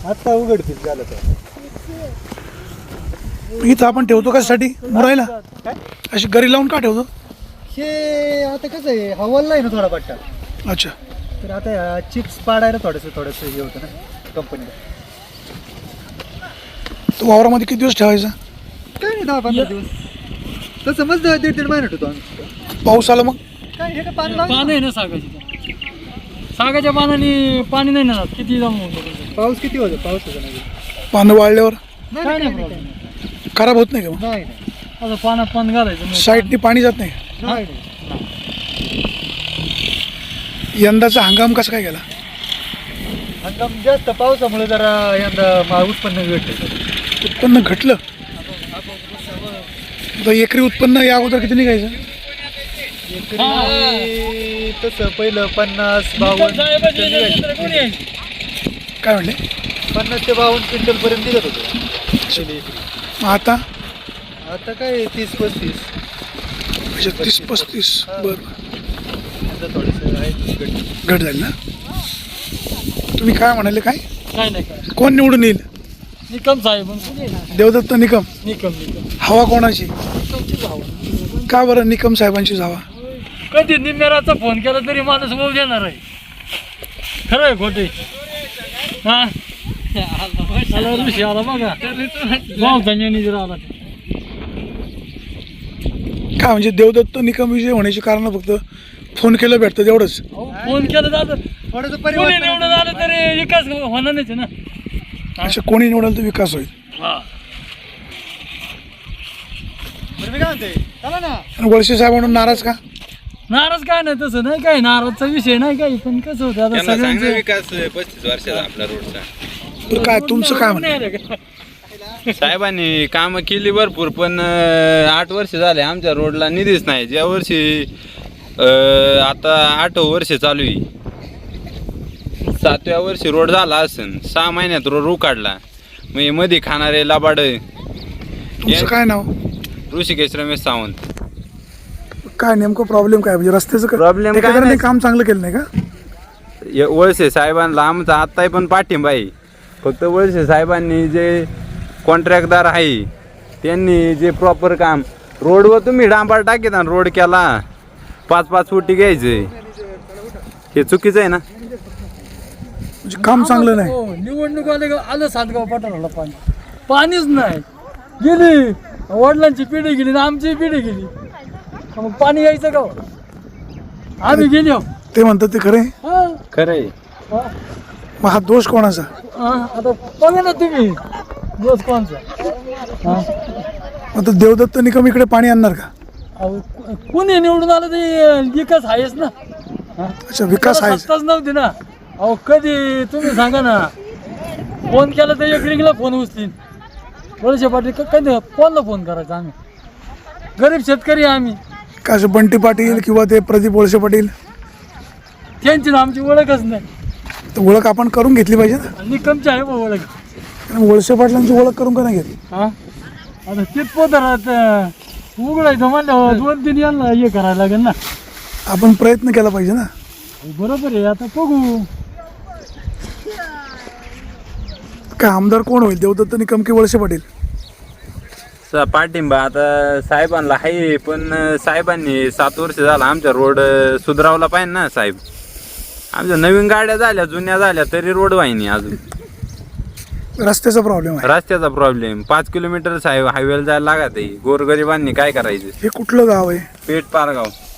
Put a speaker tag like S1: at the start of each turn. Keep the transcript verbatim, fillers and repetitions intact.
S1: आता उघडतील झालं तर.
S2: इथं आपण ठेवतो कशासाठी मुरायला? अशी गरी लावून का ठेवतो?
S1: हे आता कसं आहे हवाला आहे ना थोडा पट्टा,
S2: अच्छा.
S1: तर आता चिप्स पाडायला थोडंसं थोडंसं हे होतं ना कंपनीला.
S2: तो वावरामध्ये किती दिवस ठेवायचा?
S1: काय नाही दहा पंधरा दिवस तसं मग दीड दीड महिना होतो आम्ही.
S2: पाऊस आला मग
S1: काय हे काय पाणी लावायचं?
S3: पान आहे ना सागाची, सागाच्या पानाने पाणी नाही ना जात, किती जमा होतं.
S1: पाऊस किती होतो? पाऊस होतो नाही
S2: पानं वाळल्यावर
S1: नाही
S3: काय
S1: नाही
S3: नाही
S1: नाही
S3: प्रॉब्लेम.
S2: खराब होत नाही का मग?
S1: नाही नाही
S3: आता पानात पान घालायचं नाही.
S2: साईडनी पाणी जात नाही?
S1: नाही नाही.
S2: यंदाचा हंगाम कसा काय गेला?
S1: हंगाम जास्त पावसामुळे जरा यंदा मा- उत्पन्न भेटलं.
S2: उत्पन्न घटलं? आता एकरी उत्पन्न या अगोदर किती निघायचं?
S1: एकरी तसं पहिलं पन्नास बावन्न
S3: साहेबाची
S1: क्विंटल निघायचं.
S3: चित्र कोणी आहे?
S2: काय म्हणले?
S1: पन्नास ते बावन्न क्विंटल पर्यंत निघत होतं पहिली एकरी.
S2: मग आता
S1: आता काय तीस पस्तीस.
S2: अच्छा तीस पस्तीस. बरं
S1: आता थोडंसं आहे घट.
S2: घट झाली ना? तुम्ही काय म्हणाले? काय
S3: काय नाही काय
S2: कोण निवडून येईल?
S3: निकम साहेब कोणी आहे ना?
S2: देवदत्त निकम.
S3: निकम निकम
S2: हवा कोणाची?
S3: निकमचीच हवा.
S2: का बरं निकम साहेबांचीच हवा?
S3: कधी निम्मेराचा फोन केला तरी माणूस भाऊ देणार आहे. खरं आहे खोटे? हा आला ऋषी आला बघा भाऊ मॅनेजर आला.
S2: काय म्हणजे देवदत्त निकम विजय होण्याची कारण फक्त फोन केलं भेटतं तेवढंच?
S3: फोन केलं जातं,
S1: थोडंसं
S3: कोणी
S1: परिवर्तन
S3: निवडून आलं तरी विकास होणार नाही ना.
S2: अच्छा कोणी निवडेल तर विकास होईल.
S3: हा
S1: बरं मी काय म्हणते चला ना.
S2: आणि वळसे साहेबांना नाराज का?
S3: नाराज काय नाही, तसं नाही काही नाराजचा विषय नाही काही, पण कसं होतं आता
S4: त्यांना चांगला
S3: सगळ्यांचे
S4: विकास पस्तीस वर्षाचा आपला रोडचा.
S2: तर काय तुमचं काय म्हणणं?
S4: साहेबांनी कामं केली भरपूर, पण अं, आठ वर्ष झाले आमच्या रोडला निधीच नाही. ज्या वर्षी अं, आता आठवं वर्ष चालू आहे, सातव्या वर्षी रोड झाला असेल, सहा महिन्यात रोड उकाडला. मग हे मध्ये खाणारे लाबाड
S2: तुमचं काय नाव?
S4: ऋषिकेश रमेश सावंत.
S2: काय नेमकं प्रॉब्लेम काय म्हणजे रस्त्याचं काय?
S4: Problem काय
S2: ठेकेदारांनी
S4: नाही.
S2: काम चांगलं केलं नाही का?
S4: य- वळसे साहेबांना आमचा आत्ताही पण पाठिंबा आहे. फक्त वळसे साहेबांनी जे कॉन्ट्रॅक्टदार आहे त्यांनी जे प्रॉपर काम रोडवर तुम्ही डांबर टाकीत ना, रोड केला पाच पाच फुटी घ्यायचे, हे चुकीचं आहे ना.
S2: म्हणजे काम चांगलं नाही.
S3: हो, निवडणूक आले का आलं सातगाव पठाराला पाणी, पाणीच नाही. गेली वडिलांची पिढी गेली ना आमची पिढी गेली, मग पाणी यायचं का? आम्ही गेलो.
S2: ते म्हणतात ते खरे.
S3: हा,
S4: खरं आहे.
S3: हा,
S2: मग हा दोष कोणाचा?
S3: हा, आता बघा ना तुम्ही दिवस कोणचा. हा,
S2: आता देवदत्त निकम इकडे पाणी आणणार का?
S3: अहो, कोणी निवडून आलं ते विकास आहेच ना. हा,
S2: अच्छा विकास
S3: त्याला
S2: आहे.
S3: सत्ताच नव्हती ना. अहो कधी तुम्ही सांगा ना, फोन केला तर एक रिंगला फोन उचलीन. वळसे पाटील क- कधी कोणाला फोन करायचा? आम्ही गरीब शेतकरी आहे आम्ही.
S2: का असं बंटी पाटील किंवा ते प्रदीप वळसे पाटील
S3: त्यांची ना आमची ओळखच नाही.
S2: तर ओळख आपण करून घेतली पाहिजे ना.
S3: आणि कमची आहे बा ओळख.
S2: कारण वळसे पाटलांची ओळख करून का नाही घेतली?
S3: हा, आता तेच पोतरात उघडायचं म्हणलं दोन तीन यांना हे करायला लागेल ना.
S2: आपण प्रयत्न केला पाहिजे ना.
S3: बरोबर आहे, आता बघू.
S2: काय आमदार कोण होईल, देवदत्त निकम की वळसे पाटील?
S4: स- पाठिंबा आता साहेबांना आहे, पण साहेबांनी सात वर्ष झाला आमच्या रोड सुधारावला पाहिजे ना. साहेब आमच्या नवीन गाड्या झाल्या जुन्या झाल्या तरी रोड वाहिनी अजून.
S2: रस्त्याचा प्रॉब्लेम आहे.
S4: रस्त्याचा प्रॉब्लेम, पाच किलोमीटर साहेब हायवेला जायला लागत आहे. गोरगरिबांनी काय करायचं?
S2: हे कुठलं गाव आहे?
S4: पेठ पारगाव.